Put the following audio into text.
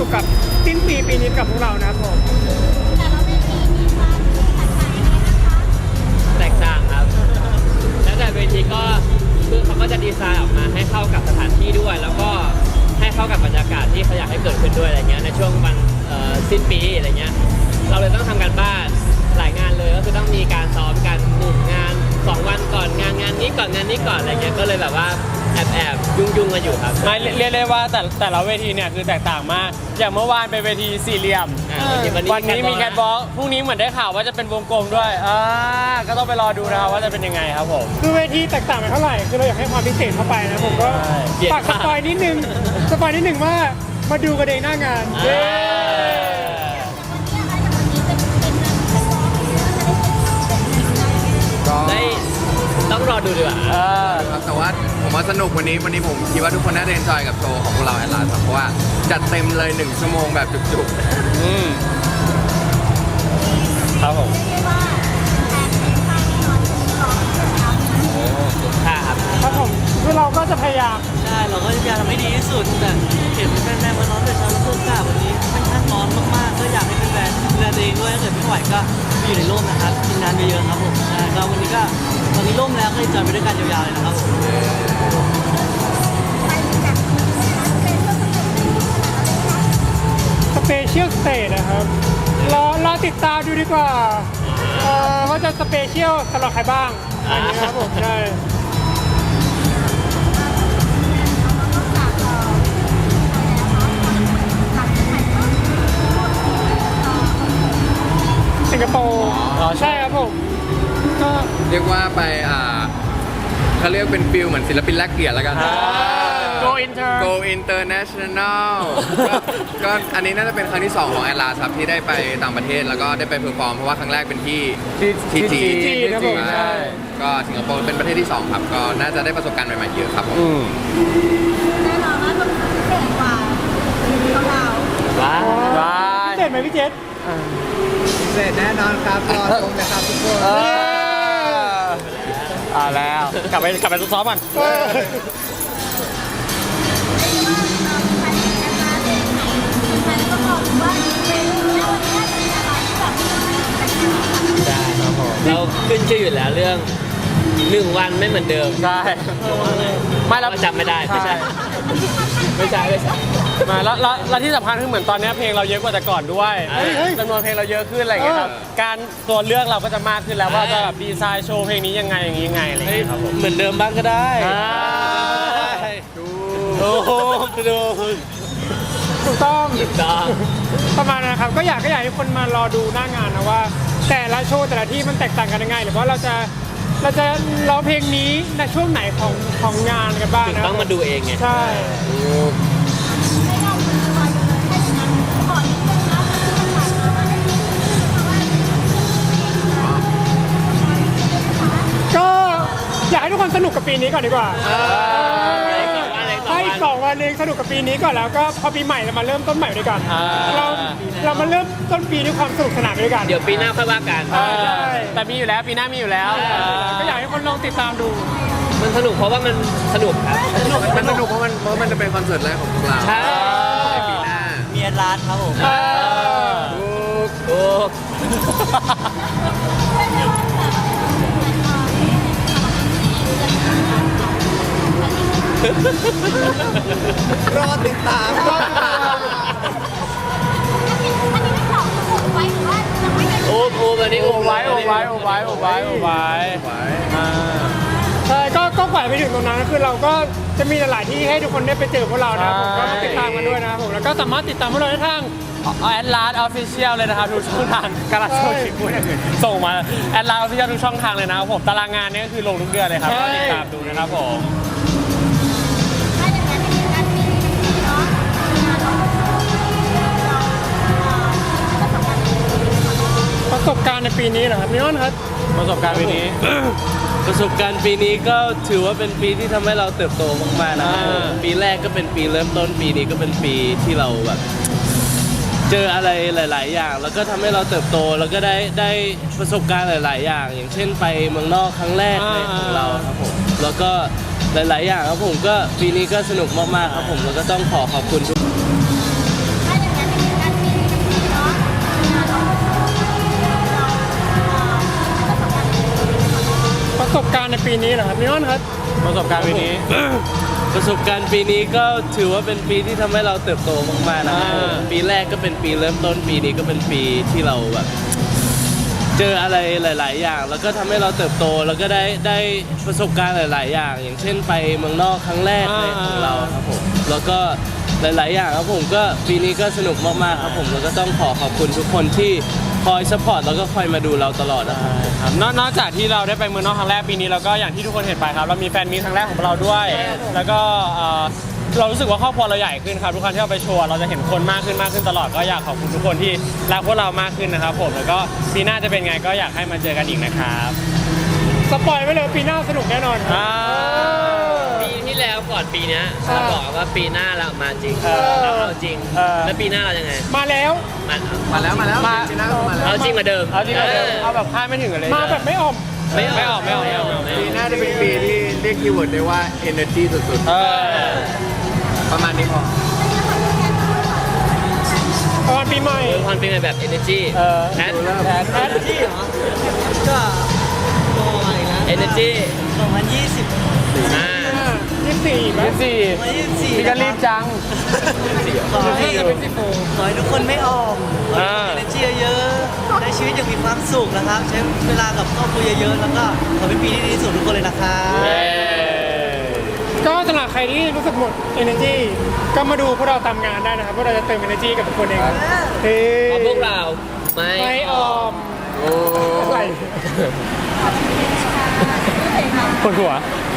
นุกกับสิ้นปีนี้กับพวกเรานะครับผมแต่ละเวทีมีความแตกต่างยังไงนะคะแตกต่างครับแล้วแต่เวทีก็คือเขาก็จะดีไซน์ออกมาให้เข้ากับสถานที่ด้วย แล้วก็ให้เข้ากับบรรยากาศที่เขาอยากให้เกิดขึ้นด้วยอะไรเงี้ยในช่วงวันสิ้นปีอะไรเงี้ยเราเลยต้องทำการบ้านหลายงานเลยก็คือต้องมีการซ้อมกัน1งาน2วันก่อนงานนี้ก่อนงานนี้ก่อนอะไรเงี้ยก็เลยแบบว่าแอบยุ่งกันอยู่ครับไม่เรียกได้ว่าแต่ละเวทีเนี่ยคือแตกต่างมากอย่างเมื่อวานเป็นเวทีสี่เหลี่ยมวันนี้มีแคทบอลพรุ่งนี้เหมือนได้ข่าวว่าจะเป็นวงกลมด้วยก็ต้องไปรอดูนะครับว่าจะเป็นยังไงครับผมคือเวทีแตกต่างไปเท่าไหร่คือเราอยากให้ความพิเศษเข้าไปนะผมก็ฝากสปอยนิดนึงว่ามาดูกันเองหน้างานได้ต้องรอดูดีกว่าแต่ว่าผมว่าสนุกวันนี้ผมคิดว่าทุกคนน่าจะเอนจอยกับโชว์ของพวกเราแอดลาสเพราะว่าจัดเต็มเลย1 ชั่วโมงแบบจุกๆครับผมครับผมคือเราก็จะพยายามใช่เราก็พยายามทำให้ดีที่สุดแต่เห็นแฟนๆมาร้อนแต่เช้าเสื้อกล้าวันนี้ค่อนข้างร้อนมากๆก็อยากให้แฟนๆดูแลตัวเองด้วยถ้าเกิดไม่ไหวก็อยู่ในร่มนะครับกินน้ำเยอะๆครับผมใช่ก็วันนี้ก็ตอนนี้ร่มแล้วก็จอยไปด้วยกันยาวๆเลยนะครับผมสเปเชียลสเตจนะครับรอติดตามดูดีกว่าว่าจะสเปเชียลสำหรับใครบ้างอันนี้ครับผมใช่สิงคโปร์ใช่ครับผมก็เรียกว่าไปเขาเรียกเป็นฟิลเหมือนศิลปินแลกเกียรติแล้วกัน Go International ก็อันนี้น่าจะเป็นครั้งที่2ของแอดลาสครับที่ได้ไปต่างประเทศแล้วก็ได้ไปเพอร์ฟอร์มเพราะว่าครั้งแรกเป็นที่จีนครับผมใช่ก็สิงคโปร์เป็นประเทศที่2ครับก็น่าจะได้ประสบการณ์ใหม่ๆเยอะครับผมแน่นอนว่าต้องพิเศษกว่าของเราพิเศษไหมพี่เจษพิเศษแน่นอนครับรอชมนะครับทุกคนแล้วกลับไปซ้อมกันได้ครับผมเราขึ้นชื่ออยู่แล้วเรื่อง1 วันไม่เหมือนเดิมใช่ไม่เราจำไม่ได้ไม่ใช่มาแล้วที่สำคัญคือเหมือนตอนนี้เพลงเราเยอะกว่าแต่ก่อนด้วยจำนวนเพลงเราเยอะขึ้นอะไรอย่างเงี้ยครับการตัวเลือกเราก็จะมากขึ้นแล้วว่าจะแบบดีไซน์โชว์เพลงนี้ยังไงอย่างนี้ยังไงอะไรอย่างเงี้ยครับผมเหมือนเดิมบ้างก็ได้ถูกต้องประมาณนั้นครับก็อยากให้คนมารอดูหน้างานนะว่าแต่ละโชว์แต่ละที่มันแตกต่างกันยังไงหรือว่าเราจะร้องเพลงนี้ในช่วงไหนของงานกันบ้างนะต้องมาดูเองไงใช่ก็อยากให้ทุกคนสนุกกับปีนี้ก่อนดีกว่าให้2 วันเองสนุกกับปีนี้ก่อนแล้วก็พอปีใหม่เรามาเริ่มต้นใหม่ด้วยกันเรามาเริ่มต้นปีด้วยความสนุกสนานด้วยกันเดี๋ยวปีหน้าค่อยว่ากันแต่มีอยู่แล้วปีหน้ามีอยู่แล้วก็อยากให้คนลองติดตามดูมันสนุกเพราะว่ามันสนุกครับมันสนุกเพราะมันจะเป็นคอนเสิร์ตแรกของพวกเราใช่ปีหน้ามีแอดลาสครับผมถูกรอติดตามโอ้แบบนี้ไว้ใช่ก็ปล่อยไปถึงตรงนั้นคือเราก็จะมีหลายที่ให้ทุกคนได้ไปเจอพวกเรานะผมก็ติดตามกันด้วยนะครับผมแล้วก็สามารถติดตามพวกเราได้ทางแอดลาสออฟฟิเชียลเลยนะครับทุกช่องทางการโชว์ชิปพูดส่งมาแอดลาสออฟฟิเชียลทุกช่องทางเลยนะครับผมตารางงานนี้ก็คือลงทุกเดือนเลยครับติดตามดูนะครับผมประสบการณ์ในปีนี้เหรอครับมิออนครับประสบการณ์ปีนี้ประสบการณ์ปีนี้ก็ถือว่าเป็นปีที่ทำให้เราเติบโตมากๆนะครับปีแรกก็เป็นปีเริ่มต้นปีนี้ก็เป็นปีที่เราแบบเจออะไรหลายๆอย่างแล้วก็ทำให้เราเติบโตแล้วก็ได้ประสบการณ์หลายๆอย่างอย่างเช่นไปเมืองนอกครั้งแรกของเราครับผมแล้วก็หลายๆอย่างครับผมก็ปีนี้ก็สนุกมากๆครับผมแล้วก็ต้องขอบคุณทุกสบการณ์ในปีนี้เหรอครับพี่น้องครับประสบการณ์ปีนี้ประสบการณ์ปีนี้ก็ถือว่าเป็นปีที่ทำให้เราเติบโตมากๆนะครับผมปีแรกก็เป็นปีเริ่มต้นปีนี้ก็เป็นปีที่เราแบบเจออะไรหลาย ๆ อย่าง แล้วก็ทำให้เราเติบโตแล้วก็ได้ประสบการณ์หลาย ๆ อย่าง อย่างเช่นไปเมืองนอกครั้งแรกในของเราครับผมแล้วก็หลาย ๆ อย่างครับผมก็ปีนี้ก็สนุกมาก ๆ ครับผมแล้วก็ต้องขอบคุณทุกคนที่คอยซัพพอร์ตแล้วก็คอยมาดูเราตลอดนะครับครับนอกจากที่เราได้ไปเมืองนอกครั้งแรกปีนี้เราก็อย่างที่ทุกคนเห็นไปครับเรามีแฟนมีตครั้งแรกของเราด้วย แล้วก็เรารู้สึกว่าครอบครัวเราใหญ่ขึ้นครับทุกครั้งที่เราไปโชว์เราจะเห็นคนมากขึ้นตลอดก็อยากขอบคุณทุกคนที่รักพวกเรามากขึ้นนะครับผมแล้วก็ปีหน้าจะเป็นไงก็อยากให้มาเจอกันอีกนะครับสปอยไว้เลยปีหน้าสนุกแน่นอนครับปีที่แล้วก่อนปีเนี้ยเราบอกว่าปีหน้าเรามาจริงเราเอาจริง แล้วปีหน้าเรายังไงมาแล้วมาแล้วปีหน้าก็มาแล้วเอาจริงมาเดิมเอาจริงๆเอาแบบคาดไม่ถึงอะไรมาแบบไม่อ่อมไม่ออกปีหน้าจะเป็นปีที่เรียกคีย์เวิร์ดได้ว่า energy สุดๆประมาณนี้พอประมาณปีใหม่ความเป็นแบบ energy แพทแพทที่เหรอก็โตมาอีกแล้ว energy 2020 อ่า 24ไหม 2024 พี่ก็รีบจังขอให้จะเป็น14 ขอให้ทุกคนไม่ออมขออ่าให้มี energy เยอะๆใช้ชีวิตอย่างมีความสุขนะครับ ใช้เวลากับครอบครัวเยอะๆ แล้วก็ขอเป็นปีที่ดีที่สุดทุกคนเลยนะครับก็สำหรับใครที่รู้สึกหมด energy ก็มาดูพวกเราตามงานได้นะครับพวกเราจะเติม energy กับทุกคนเองเฮ้เพราะพวกเราไม่ไม่ออมโอ้อะไรปวดหัว